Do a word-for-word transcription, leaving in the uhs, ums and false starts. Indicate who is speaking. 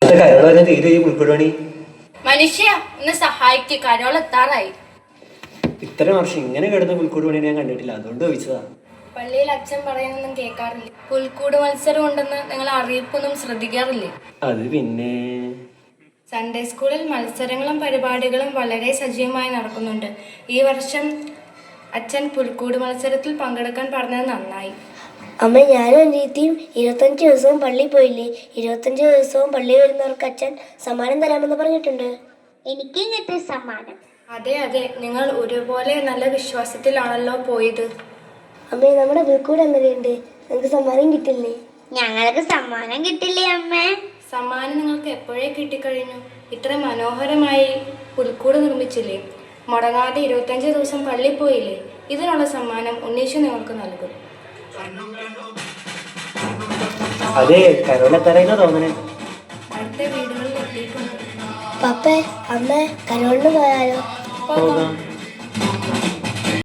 Speaker 1: മനുഷ്യ ഒന്ന് സഹായിക്ക്, കരോൾ എത്താറായി.
Speaker 2: ഇത്ര വർഷം ഇങ്ങനെ കിടന്ന പുൽക്കൂട് പണി ഞാൻ കണ്ടിട്ടില്ല, അതുകൊണ്ട് ചോദിച്ചതാ.
Speaker 1: പള്ളിയിൽ അച്ഛൻ പറയുന്നൊന്നും കേൾക്കാറില്ല. പുൽക്കൂട് മത്സരം ഉണ്ടെന്ന് നിങ്ങൾ അറിയിപ്പൊന്നും ശ്രദ്ധിക്കാറില്ലേ?
Speaker 2: അത് പിന്നെ
Speaker 1: സൺഡേ സ്കൂളിൽ മത്സരങ്ങളും പരിപാടികളും വളരെ സജീവമായി നടക്കുന്നുണ്ട്. ഈ വർഷം അച്ഛൻ പുൽക്കൂട് മത്സരത്തിൽ പങ്കെടുക്കാൻ പറഞ്ഞത് നന്നായി.
Speaker 3: അമ്മ, ഞാനും എൻ്റെ രീതിയും ഇരുപത്തഞ്ച് ദിവസവും പള്ളിയിൽ പോയില്ലേ? ഇരുപത്തഞ്ച് ദിവസവും പള്ളി വരുന്നവർക്ക് അച്ഛൻ സമ്മാനം തരാമെന്ന് പറഞ്ഞിട്ടുണ്ട്.
Speaker 4: എനിക്കും കിട്ടിയ സമ്മാനം.
Speaker 1: അതെ അതെ, നിങ്ങൾ ഒരുപോലെ നല്ല വിശ്വാസത്തിലാണല്ലോ പോയത്.
Speaker 3: അമ്മേ, നമ്മുടെ പുൽക്കൂട് എങ്ങനെയുണ്ട്? നിങ്ങൾക്ക് സമ്മാനം കിട്ടില്ലേ?
Speaker 4: ഞങ്ങൾക്ക് സമ്മാനം കിട്ടില്ലേ അമ്മേ?
Speaker 1: സമ്മാനം നിങ്ങൾക്ക് എപ്പോഴേ കിട്ടിക്കഴിഞ്ഞു. ഇത്ര മനോഹരമായി പുൽക്കൂട് നിർമ്മിച്ചില്ലേ? മുടങ്ങാതെ ഇരുപത്തഞ്ച് ദിവസം പള്ളി പോയില്ലേ? ഇതിനുള്ള സമ്മാനം ഉണ്ണീശു നിങ്ങൾക്ക് നൽകും.
Speaker 2: അതെ, കരോളെത്തറയുന്ന തോന്നണേ.
Speaker 1: അടുത്ത വീടുകളിൽ എത്തിയിട്ടുണ്ട്.
Speaker 3: പപ്പേ, അമ്മ, കരോളിന് പോയാലോ?
Speaker 2: പോകാം.